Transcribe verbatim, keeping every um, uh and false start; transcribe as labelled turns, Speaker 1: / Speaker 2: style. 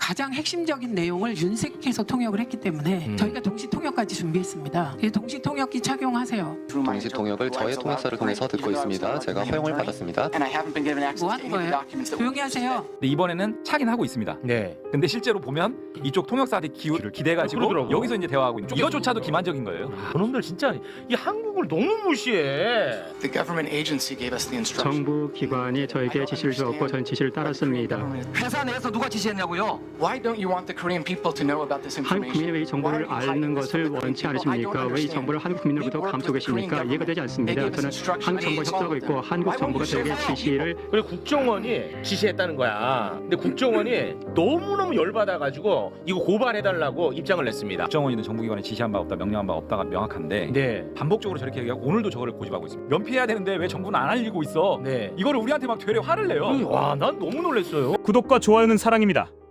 Speaker 1: 가장 핵심적인 내용을 윤색해서 통역을 했기 때문에
Speaker 2: 음.
Speaker 1: 저희가 동시 통역까지 준비했습니다. 이 동시 통역기 착용하세요.
Speaker 3: 동시 통역을 저의 통역사를 통해서 듣고 있습니다. 제가 허용을 받았습니다.
Speaker 1: 뭐 하는 거예요? 조용히 하세요.
Speaker 4: 근데 이번에는 차긴 하고 있습니다.
Speaker 2: 네.
Speaker 4: 근데 실제로 보면 이쪽 통역사한테 기회를 기대가지고
Speaker 2: 그러더라고요.
Speaker 4: 여기서 이제 대화하고 있는 이거조차도 기만적인 거예요.
Speaker 2: 그놈들 진짜 이 한국을 너무 무시해.
Speaker 5: 정부 기관이 저에게 지시를 주었고 전 지시를 따랐습니다.
Speaker 6: 회사 내에서 누가 지시했냐고요?
Speaker 5: 한국 국민이 왜 이 정보를 아는 것을 원치 않으십니까? 왜 이 정보를 한국 국민으로부터 감추고 계십니까? 이해가 되지 않습니다. 저는 한국 정부와 협조하고 있고 한국 정부가 저에게 지시를
Speaker 2: 그리고 국정원이 지시했다는 거야. 근데 국정원이 너무너무 열받아가지고 이거 고발해달라고 입장을 냈습니다.
Speaker 4: 국정원이든 정부기관에 지시한 바 없다, 명령한 바 없다가 명확한데
Speaker 2: 네.
Speaker 4: 반복적으로 저렇게 얘기하고 오늘도 저거를 고집하고 있습니다. 면피해야 되는데 왜 정부는 안 알리고 있어?
Speaker 2: 네.
Speaker 4: 이거를 우리한테 막 되려 화를 내요.
Speaker 2: 와, 난 너무 놀랐어요.
Speaker 7: 구독과 좋아요는 사랑입니다.